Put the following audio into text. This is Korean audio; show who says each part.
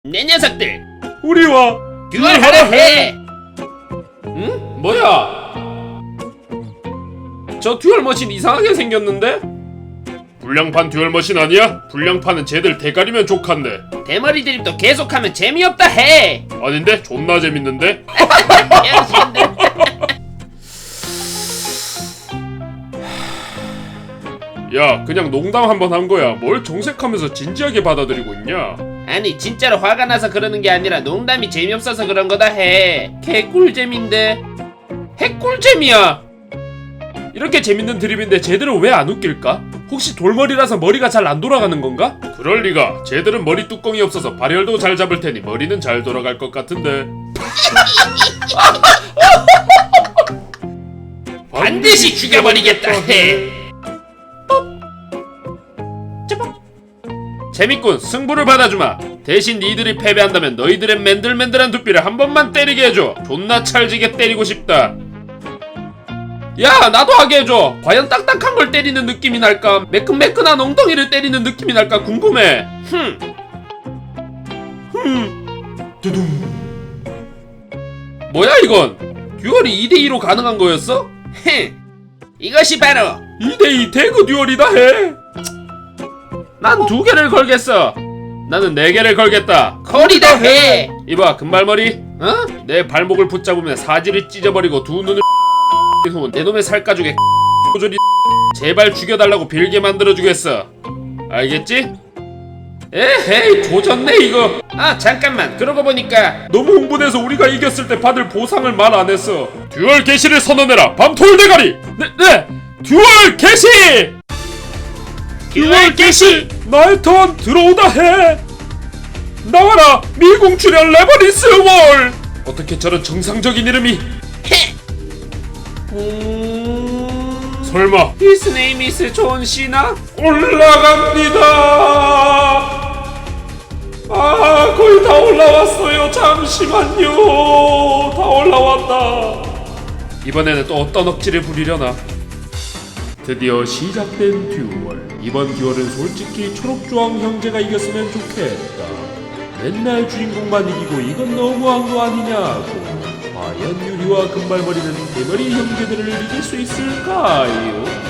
Speaker 1: 내 녀석들
Speaker 2: 우리와
Speaker 1: 듀얼하라 해.
Speaker 2: 응? 뭐야? 저 듀얼머신 이상하게 생겼는데? 불량판 듀얼머신 아니야? 불량판은 쟤들 대가리면 족한데.
Speaker 1: 대머리 드립도 계속하면 재미없다 해.
Speaker 2: 아닌데? 존나 재밌는데?
Speaker 1: 병신들.
Speaker 2: 야, 그냥 농담 한번 한 거야. 뭘 정색하면서 진지하게 받아들이고 있냐?
Speaker 1: 아니 진짜로 화가 나서 그러는 게 아니라 농담이 재미없어서 그런 거다 해. 개꿀잼인데.
Speaker 2: 핵꿀잼이야. 이렇게 재밌는 드립인데 쟤들은 왜 안 웃길까? 혹시 돌머리라서 머리가 잘 안 돌아가는 건가? 그럴 리가. 쟤들은 머리 뚜껑이 없어서 발열도 잘 잡을 테니 머리는 잘 돌아갈 것 같은데.
Speaker 1: 반드시 죽여버리겠다 해.
Speaker 2: 재밌군. 승부를 받아주마. 대신 니들이 패배한다면 너희들의 맨들맨들한 두피를 한 번만 때리게 해줘. 존나 찰지게 때리고 싶다. 야, 나도 하게 해줘. 과연 딱딱한 걸 때리는 느낌이 날까? 매끈매끈한 엉덩이를 때리는 느낌이 날까 궁금해. 두둥. 뭐야 이건? 듀얼이 2대2로 가능한 거였어?
Speaker 1: 이것이 바로
Speaker 2: 2대2 대그 듀얼이다 해. 난 2개를 걸겠어. 나는 4개를 걸겠다.
Speaker 1: 거리다 해.
Speaker 2: 이봐 금발머리, 내 발목을 붙잡으면 사지를 찢어버리고 두 눈을 후 내 놈의 살가죽에 조리 제발 죽여달라고 빌게 만들어주겠어. 알겠지? 에헤이 조졌네 이거.
Speaker 1: 아 잠깐만, 그러고 보니까
Speaker 2: 너무 흥분해서 우리가 이겼을 때 받을 보상을 말 안 했어. 듀얼 개시를 선언해라 밤톨 대가리. 네 듀얼 개시.
Speaker 1: 듀얼 개시.
Speaker 2: 나의 턴 들어오다 해. 나와라 미궁출연 레버리스 월. 어떻게 저런 정상적인 이름이? 설마
Speaker 1: His name is 존 시나?
Speaker 2: 올라갑니다. 아 거의 다 올라왔어요. 잠시만요. 다 올라왔다. 이번에는 또 어떤 억지를 부리려나. 드디어 시작된 듀얼. 이번 듀얼은 솔직히 초록주황 형제가 이겼으면 좋겠다. 맨날 주인공만 이기고 이건 너무한 거 아니냐고. 과연 유리와 금발머리는 대머리 형제들을 이길 수 있을까요?